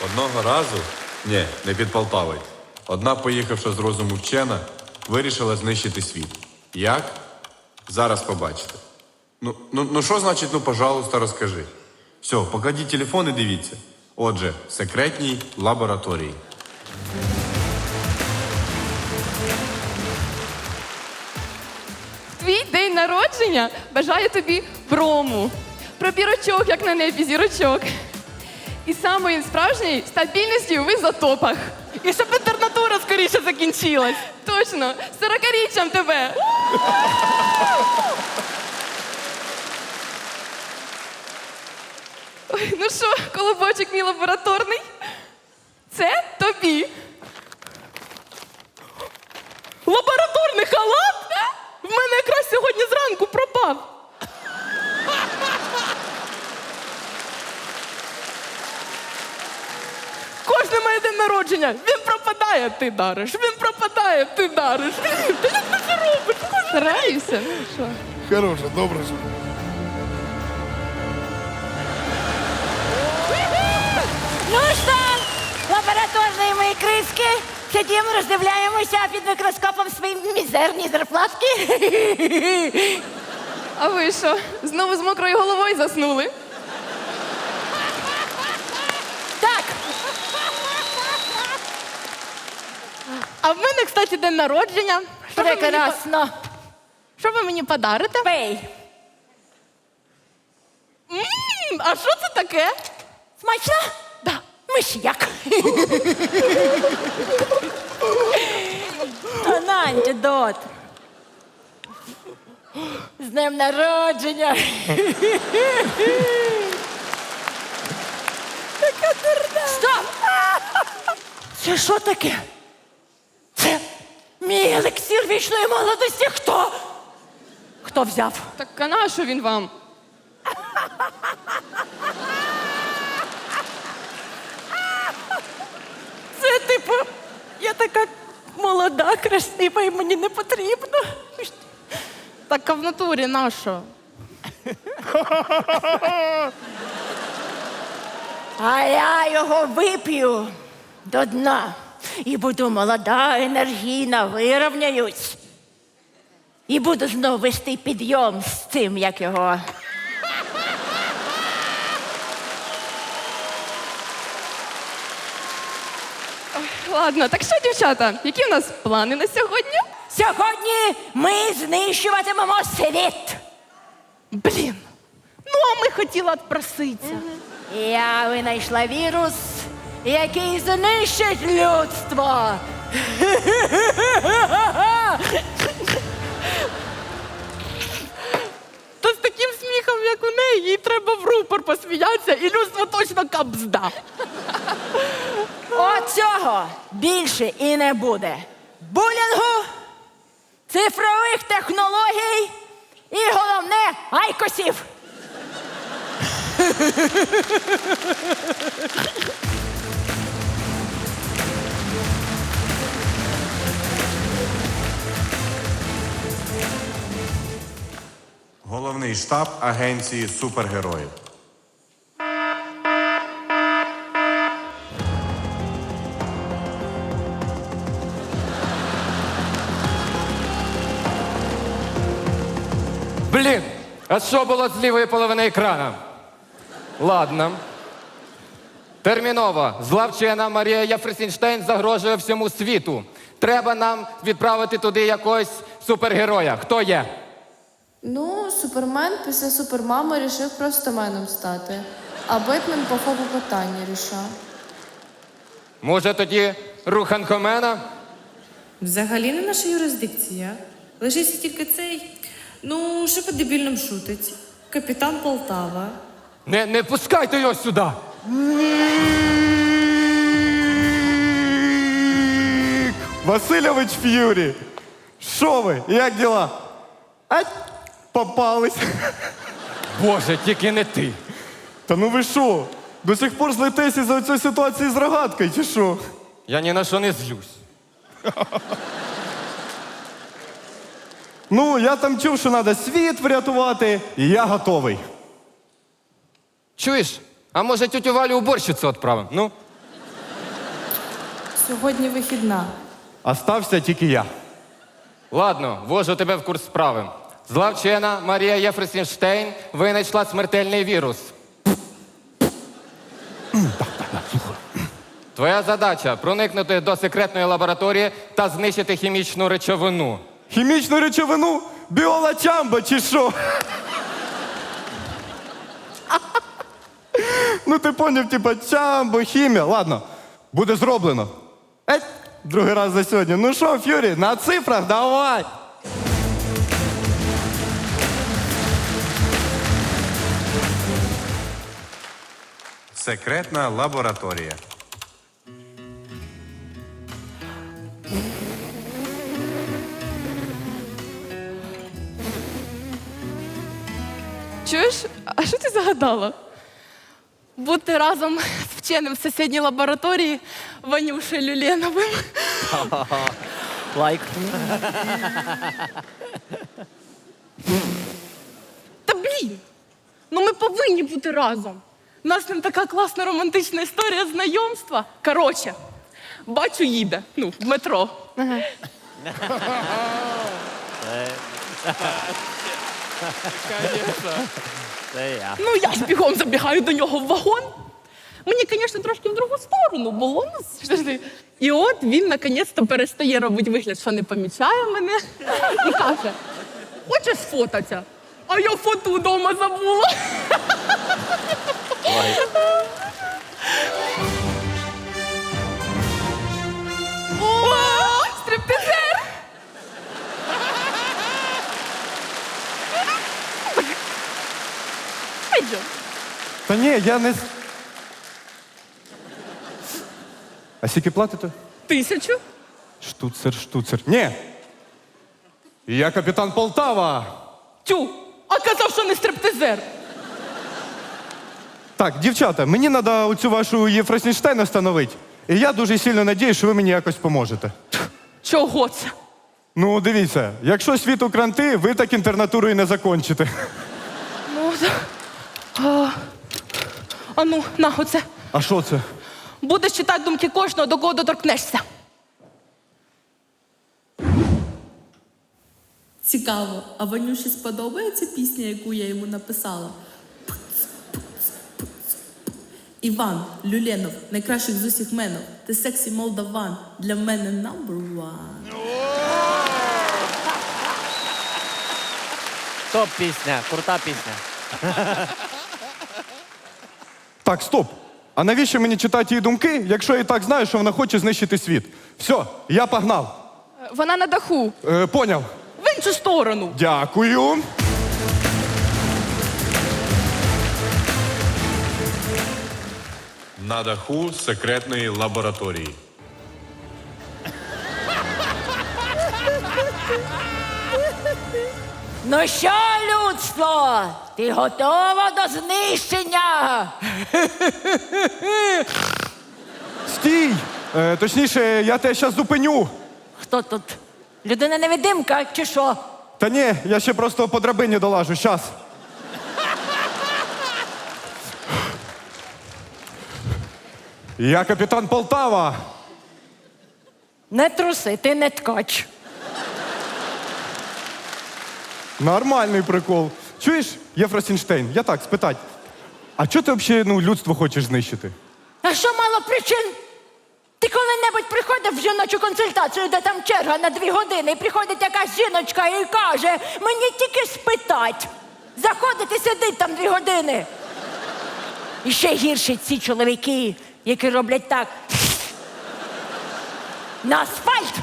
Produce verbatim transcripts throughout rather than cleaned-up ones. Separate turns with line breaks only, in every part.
Одного разу, ні, не під Полтавою, одна, поїхавши з розуму вчена, вирішила знищити світ. Як? Зараз побачите. Ну, ну, ну що значить, ну, пожалуйста, розкажи. Все, покладіть телефон і дивіться. Отже, в секретній лабораторії.
Твій день народження бажаю тобі брому. Про бірочок, як на небі зірочок. І самої справжньої стабільності в ізотопах.
І щоб інтернатура скоріше закінчилась.
Точно, з сорокаріччям тебе. Ой, ну що, колобочок мій лабораторний? Це тобі.
Лабораторний халат? В мене якраз сьогодні зранку пропав. Кожне моє день народження. Він пропадає, ти дариш. Він пропадає, ти дариш. Та як ти це робиш?
Стараюся, ну що.
Хороше, добре. що-
Ну що, лабораторні мої криски, сидимо, роздивляємося під мікроскопом свої мізерні зарплатки.
А ви що, знову з мокрою головою заснули?
Так. А в мене, кстати, день народження. Що ви мені, по-
Прекрасно.
що ви мені подарите?
Пей.
М, А що це таке?
Смачно?
Да.
Миш'як. На антидот. З днем народження. Така дурна. Стоп! Це що таке? Це мій елексір вічної молодості. Хто? Хто взяв?
Так а на що він вам?
Це типу, я така молода, красива і мені не потрібно. Так а в натурі на що?
А я його вип'ю до дна. І буду молода, енергійна, вирівняюсь. І буду знову вести підйом з цим, як його.
Ладно, так що, дівчата, які в нас плани на сьогодні?
Сьогодні ми знищуватимемо світ.
Блін. Ну, а ми хотіли відпроситися.
Я винайшла вірус, який знищить людство.
То з таким сміхом, як у неї, їй треба в рупор посміятися, і людство точно капзда.
Оцього більше і не буде. Булінгу, цифрових технологій і, головне, айкосів.
Головний штаб агенції супергероїв.
Блін, а що було з лівої половини екрана? Ладно. Терміново. Зла вчена Марія Єфросінштейн загрожує всьому світу. Треба нам відправити туди якогось супергероя. Хто є?
Ну, Супермен після Супермами рішив просто меном стати. А Бетмен по фобу питання рішав.
Може тоді Руханкомена?
Взагалі не наша юрисдикція. Лишився тільки цей, ну, що по дебільним шутить. Капітан Полтава.
Не, не пускайте його сюди!
Васильович Ф'юрі. Що ви? Як діла? А, попались.
Боже, тільки не ти.
Та ну ви що? До сих пор злитесь із-за цієї ситуації з рогаткою, чи що?
Я ні на що не злюсь.
Ну, я там чув, що треба світ врятувати, і я готовий.
Чуєш? А може тютю Валю уборщицю відправимо? Ну?
Сьогодні вихідна.
Остався тільки я.
Ладно, ввожу тебе в курс справи. Зла вчена Марія Єфросінштейн винайшла смертельний вірус. Твоя задача проникнути до секретної лабораторії та знищити хімічну речовину.
Хімічну речовину? Біола Чамбо чи що? Ну ти поняв, типа Чамбо, хімія. Ладно, буде зроблено. Еть, другий раз за сьогодні. Ну що, Ф'юрі, на цифрах давай.
Секретна лабораторія.
Чуєш? А що ти загадала?
Бути разом з вченим в сусідній лабораторії Ванюшею Люленовим.
Лайк.
Та блін! Ну ми повинні бути разом. У нас з ним така класна романтична історія знайомства. Коротше, бачу, їде. Ну, в метро.
Це я.
Ну, я ж бігом забігаю до нього в вагон. Мені, звісно, трошки в другу сторону було. Ну, завжди. І от він наконець-то перестає робити вигляд, що не помічає мене. І каже: хочеш сфотатися? А я фото вдома забула.
О, стриптизер!
Пойдем.
Та ні, я не. с- А скільки платите?
Тисячу?
Штуцер, штуцер. Ні. Я капітан Полтава.
Тю, а казав, що не стриптизер.
Так, дівчата, мені треба оцю вашу Єфросінштейн встановити. І я дуже сильно надіюсь, що ви мені якось поможете.
Чого це?
Ну, дивіться, якщо світу кранти, ви так інтернатуру і не закончите.
Ну, да. а, а ну, на оце.
А що це?
Будеш читати думки кожного, до кого доторкнешся.
Цікаво, а Ванюші сподобається пісня, яку я йому написала? Іван Люленов, найкращих з усіх менов. Ти сексі молдаван, для мене number one.
Топ пісня, крута пісня.
Так, стоп. А навіщо мені читати її думки, якщо я і так знаю, що вона хоче знищити світ? Все, я погнав.
Вона на даху.
Е, поняв.
В іншу сторону.
Дякую.
На даху секретної лабораторії.
Ну що, людство, ти готова до знищення?
Стій! Е, точніше, я тебе зараз зупиню.
Хто тут? Людина-невидимка чи що?
Та ні, я ще просто по драбині долажу, щас. Я капітан Полтава.
Не труси, ти не ткач.
Нормальний прикол. Чуєш, Єфросінштейн, я так спитать. А чого ти взагалі ну, людство хочеш знищити?
А що мало причин? Ти коли-небудь приходив в жіночу консультацію, де там черга на дві години, і приходить якась жіночка і каже, мені тільки спитать. Заходить і сидить там дві години. І ще гірше ці чоловіки, які роблять так. На асфальт.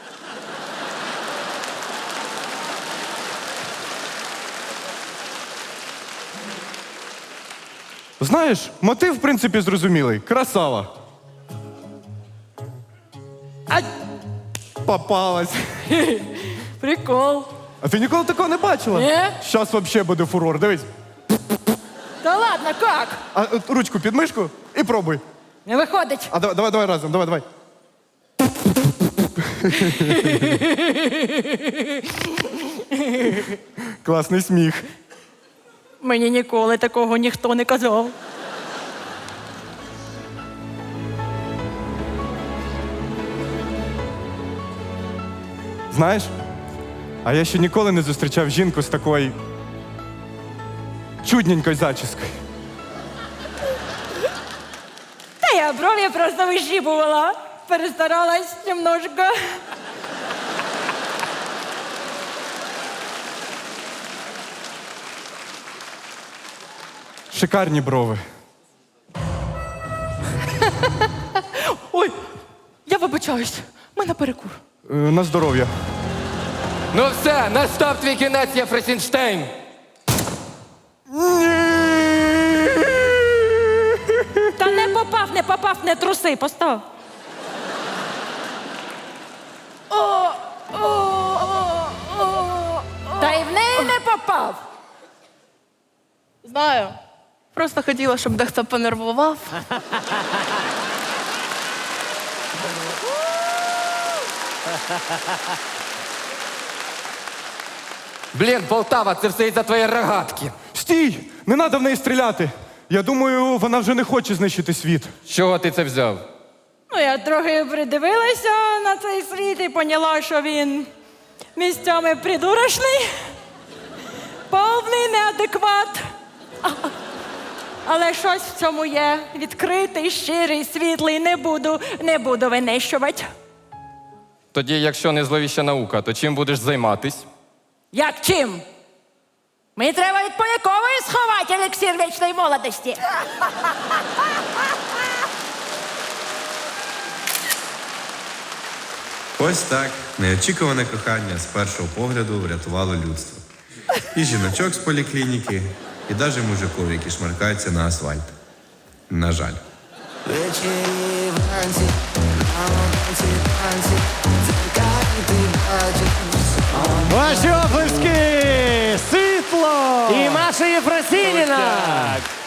Знаєш, мотив, в принципі, зрозумілий. Красава. Ай! Попалась.
Прикол.
А ти ніколи такого не бачила?
Ні.
Щас взагалі буде фурор. Дивись.
Та ладно, як?
А от ручку під мишку і пробуй.
Не виходить.
А давай, давай, давай разом, давай, давай. Класний сміх.
Мені ніколи такого ніхто не казав.
Знаєш, а я ще ніколи не зустрічав жінку з такою чудненькою зачіскою.
Та я брові просто вищіпувала. Перестаралась немножко.
Шикарні брови.
Ой, я вибачаюсь, в мене перекур.
Е, на здоров'я.
Ну все, настав твій кінець, Єфросінштейн.
Та не попав, не попав, не труси, постав. Та й в неї не попав.
Знаю. Просто хотіла, щоб дехто понервував.
Блін, Полтава, це все із-за твоєї рогатки.
Стій! Не треба в неї стріляти. Я думаю, вона вже не хоче знищити світ.
З чого ти це взяв?
Ну, я трохи придивилася на цей світ і поняла, що він місцями придурочний, повний неадекват. Але щось в цьому є. Відкритий, щирий, світлий. Не буду, не буду винищувати.
Тоді, якщо не зловіща наука, то чим будеш займатись?
Як чим? Мені треба від Полякової сховати елексир вічної молодості.
Ось так неочікуване кохання з першого погляду врятувало людство. І жіночок з поліклініки, і навіть мужиків, які шмаркаються на асфальт. На жаль.
Ваші оплески! Світло!
І Маша Єфросініна!
Так.